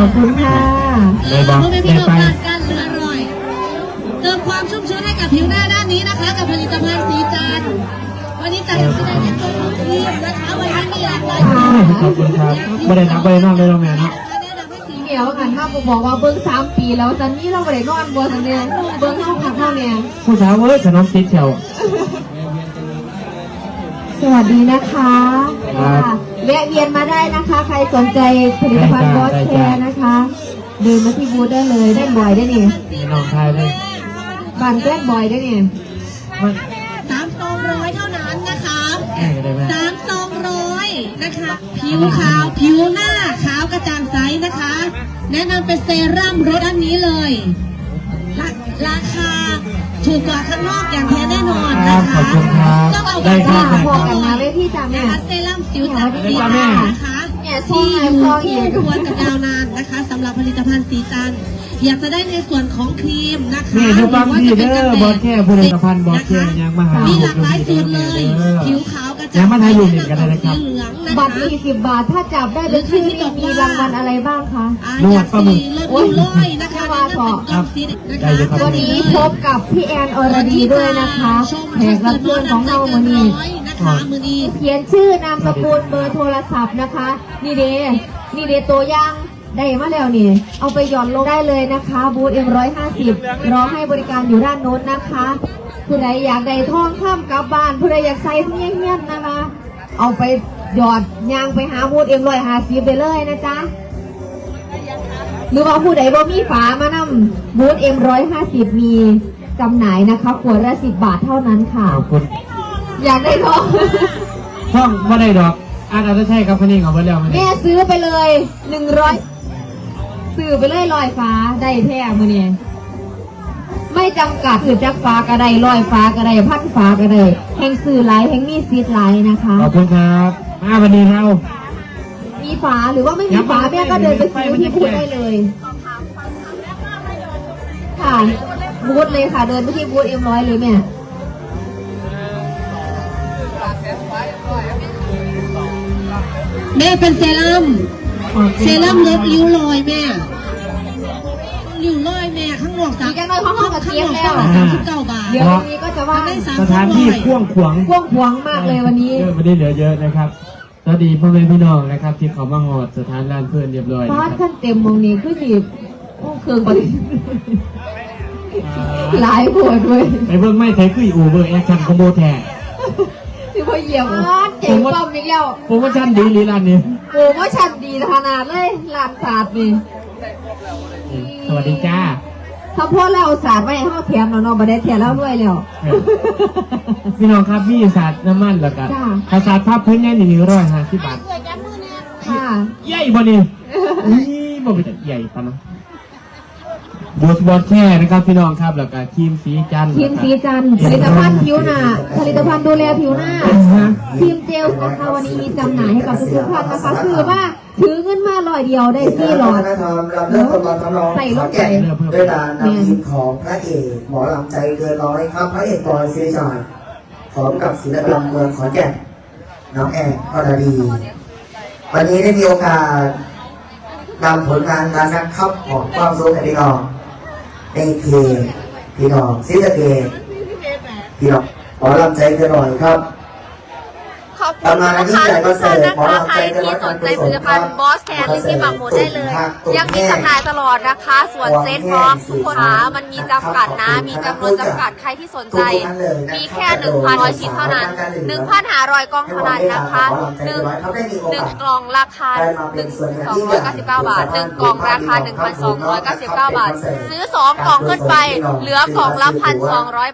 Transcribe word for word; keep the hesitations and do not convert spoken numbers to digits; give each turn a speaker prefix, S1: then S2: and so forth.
S1: อบคุณค่ะ
S2: เลยบอกเลยไป
S3: การเหลืออร่อยเติมความชุ่มชื้นให้กับผิวหน้าด้านนี้นะคะกับผลิตภัณฑ์สีจันทร์วันนี้จัดแสดงในตัวของทีมนะคะวันนี้มีหลากหลาย
S2: ขอบคุณครับไม่ได้นับไม่ได้นอกเลยเราแม่เนาะ
S1: เดี๋ยวกันถ้าผมบอกว่าเบิ้งสามปีแล้วตอนนี้เราไม่ได้นอนบนเนี่ยเบิ้งเข้าขับเข้าเนี่ย
S2: ผู้สาวเว้ยขนมติดเฉียว
S1: สวัสดีนะคะแวะเวียนมาได้นะคะใครสนใจผลิตภัณฑ์บอสแคร์นะคะเดินมาที่บูธได้เลยได้บ่อยได้เนี่ย
S2: น้องชายเลย
S1: บันแกล้งบ่อยได้เนี่ย
S3: สามสองร้อยเท่านั้นนะคะสามสองร้อยนะคะผิวขาวผิวหน้าขาวกระจ่างใสนะคะแนะนำเป็นเซรั่มรสอันนี้เลยราคาถูกกว่าข้างนอกอย่างแท้แน่นอนนะคะ
S2: ต้องเอา
S1: ไปพอกันนะเว้ยพี่จ๋าแม่
S3: เซรั่มสิวจับดีนะคะที่อยู่คู่ควรกับยาวนานนะคะสำหรับผลิตภัณฑ์สีจันทร์อยากจะได้ในส่วนของครีมนะคะ
S2: นี่ดูบางทีเด้อบอสแค่ผลิตภัณฑ์บอสแค่ยังมาหา
S3: มีหลากหลายสูตรเลยผิวขาวกระจ่าง
S2: ยังมาทายอยู่เหมือนกันเลยครับ
S1: บัตรสี่สิบบาทถ้าจับได้เป็นชื่อนี่มีรางวัลอะไรบ้างคะ
S3: นวดปลาหมึกโอ้ยเลยนะคะ
S1: วันนี้พบกับพี่แอนอรดีด้วยนะคะแขกรับเชิญของเราวันนี้เขียนชื่อนามสกุลเบอร์โทรศัพท์นะคะนี่เดนี่เดตัวอย่างได้มาแล้วนี่เอาไปหย่อนลงได้เลยนะคะบูธเอ็มร้อยห้าสิบรอให้บริการอยู่ด้านโน้นนะคะผู้ใดอยากได้ทองข้ามกลับบ้านผู้ใดอยากใส่เงี้ยเงี้ยนะคะเอาไปหยอดยางไปหาบูธเอ็มร้อยห้าสิบไปเลยนะจ๊ะหรือว่าผู้ใดบ่มีฝามานำบูธเอ็มร้อยห้าสิบมีจำหน่ายนะคะขวดละสิบบาทเท่านั้นค่ะ
S2: ขอบคุณ
S1: อยากได้ทอง
S2: ทองไม่ได้ดอกอาจจะใช่ครับคนนี้ของเพื่อนเรา
S1: แม่ซื้อไปเลยหนึ่งร้อยซื้อไปเลยลอยฟ้าได้แท้มือเนี่ยไม่จำกัดคือจักฟ้าก็ได้ลอยฟ้าก็ได้พัดฟ้าก็ได้แห่งสื่อไลท์แห่งมีซีดไลท์นะคะ
S2: ขอบคุณครับมาวันนี้เรา
S1: มีฝาหรือว่าไม่มีฝาแม่ก็เดินไปซื้อที่บูธได้เลยค่ะบูธเลยค่ะเดินไปที่บูธเอ็มร้อยเลยแม่
S3: แม่เป็นเซรั่มเซรั่มลดริ้วรอยแม่ริ้วรอยแม่ข้างนอกสาม
S1: ข้างนอกห้องกระเทียมแล้ว
S3: สามสิบเก้าบาท
S1: เดี๋ยววันนี้ก็จะว่า
S2: สถานที่กว้างขวาง
S1: กว้างขวางมากเลยวันนี้
S2: ไม่ได้เหลือเยอะนะครับสวัสดีพ่อแม่พี่น้องนะครับที่เขามาหอดสถานร้านเพื่อนเรียบร้อย
S1: บ้านขั้นเต็มมองนี้คือจีบเครื่องบริหลายปวดเลย
S2: ไอ้เบิ้งไม่ใช่คืออูเบอร์แอคชั่นคอมโบแท้
S1: ที่พอเหยียบเจ๋งป้อมอีกแล้ว
S2: โปรโมชั่นดีลีร้านนี้
S1: โปรโมชั่นดีขนาดเลยร้านศาสตร์นี่
S2: สวัสดีจ้า
S1: ถ้าพ่อเราศาสตร์ไว้ห้าแถมเราเนาะบัดเดแถมแล้วด้วยแล้ว
S2: พี่น้องครับมีศาสตร์น้ำมันแล้วกันภาษาภาพพื้นใหญ่หนึ่งร้อยห้าสิบบาท
S1: ค่ะ
S2: ใหญ่บ่นี่นี่บ่เป็นใหญ่ปะนะบูธบอสแค่นะครับพี่น้องครับแล้วก็ครีมสีจันทร์
S1: ครีมสีจันทร์ผลิตภัณฑ์ผิวหน้าผลิตภัณฑ์ดูแลผิวหน้าครีมเจลนะคะวันนี้มีจำหน่ายให้กับทุกท่านนะคะคือว่าถือเงินมาลอยเดียวได้สี่หลอด
S4: ใส่ลงไปด้วยการนำทีมของพระเอกหมอลำใจเกินร้อยครับพระเอกบอยซีจอยพร้อมกับศิลปินเมืองขอนแก่นน้องแอนอรดีวันนี้ได้มีโอกาสนำผลงานการนักขับของความสุขให้พี่น้องในเพลงพี่น้องซิสเกตพี่น้องขอรับใจกันหน่อยครับ
S5: ขอบคุณลูกค้าทุกท่านนะคะใครที่สนใจผลิตภัณฑ์บอสแคนลิปที่ปักหมุดได้เลยยังมีจำหน่ายตลอดนะคะส่วนเซ็ตพร้อมทุกคนหามันมีจำกัดนะมีจำนวนจำกัดใครที่สนใจมีแค่หนึ่งพันร้อยชิ้นเท่านั้นหนึ่งพันห้าร้อยกล่องเท่านั้นนะคะหนึ่งหนึ่งกล่องราคาหนึ่งสองร้อยเก้าสิบเก้าบาทหนึ่งกล่องราคาหนึ่งพันสองร้อยเก้าสิบเก้าบาทซื้อสองกล่องขึ้นไปเหลือกล่องละพันสองร้อย